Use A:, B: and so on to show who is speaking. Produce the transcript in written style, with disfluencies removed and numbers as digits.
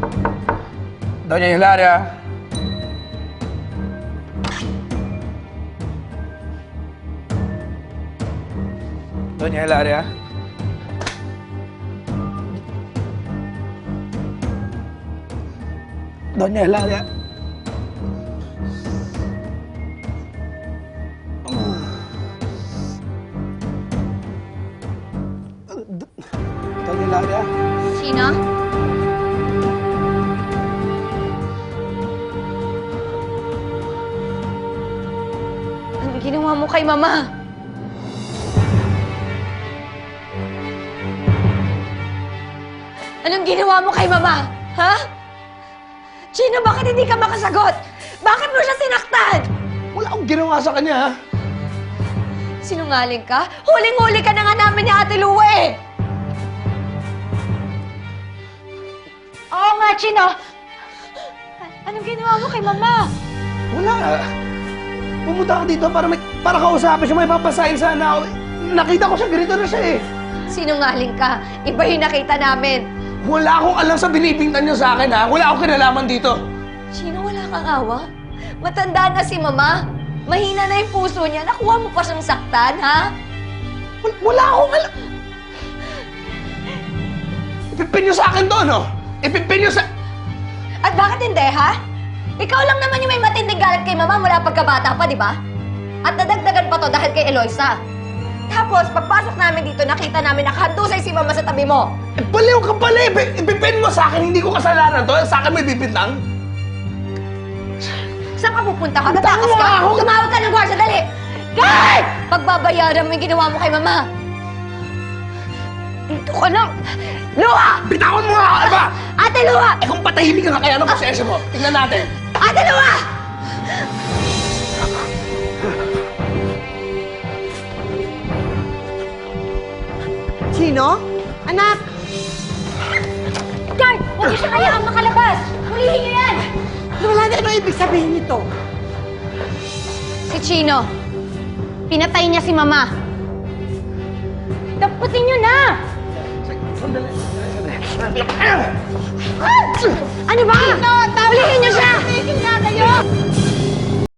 A: Doña Hilaria. Doña Hilaria. Doña Hilaria. Doña Hilaria.
B: Chino? Anong ginawa mo kay Mama? Anong ginawa mo kay Mama? Ha? Chino, bakit hindi ka makasagot? Bakit mo siya sinaktan?
A: Wala akong ginawa sa kanya, ha?
B: Sinungaling ka? Huling-huli ka na nga namin ni Ate Lua eh! Oo nga, Chino! Anong ginawa mo kay Mama?
A: Wala. Pumunta ako dito para kausapin siya. May papasahin sana ako. Nakita ko siya, ganito na siya eh.
B: Sinungaling ka. Iba yung nakita namin.
A: Wala akong alam sa binibintan niyo sa akin, ha? Wala akong kinalaman dito.
B: Chino, wala kang awa? Matanda na si Mama. Mahina na yung puso niya. Nakuha mo pa siyang saktan, ha?
A: Wala akong alam. Ipipin niyo sa akin to, no? Ipipin niyo sa...
B: At bakit hindi, ha? Ikaw lang naman yung may matinding galit kay Mama mula pagkabata pa, di ba? At nadagdagan pa to dahil kay Eloisa. Tapos, pagpasok namin dito, nakita namin nakahandusay si Mama sa tabi mo.
A: Eh, baliw ka pala eh! Ipipin mo sa akin, hindi ko kasalanan to. Sa akin may bibit lang.
B: Saan ka pupunta ka? Tatakas ka? Tumawag ka ng gwardiya, dali! Guard! Pagbabayaran mo yung ginawa mo kay Mama. Dito ka lang! Lua!
A: Bitawan mo nga ako, Aba!
B: Ate Lua!
A: Eh kung patahimik ka nga, kaya ano pasensya mo? Tingnan natin.
B: Ate Lua!
C: Chino? Anak!
B: Guard! Huwag niyo siya kayaan makalabas! Hulihin niyo yan!
C: Wala na ano ibig sabihin nito?
B: Si Chino, pinatay niya si Mama. Daputin niyo na!
A: Sandali.
B: Ano ba? Hulihin niyo siya!
C: Tigil nga kayo!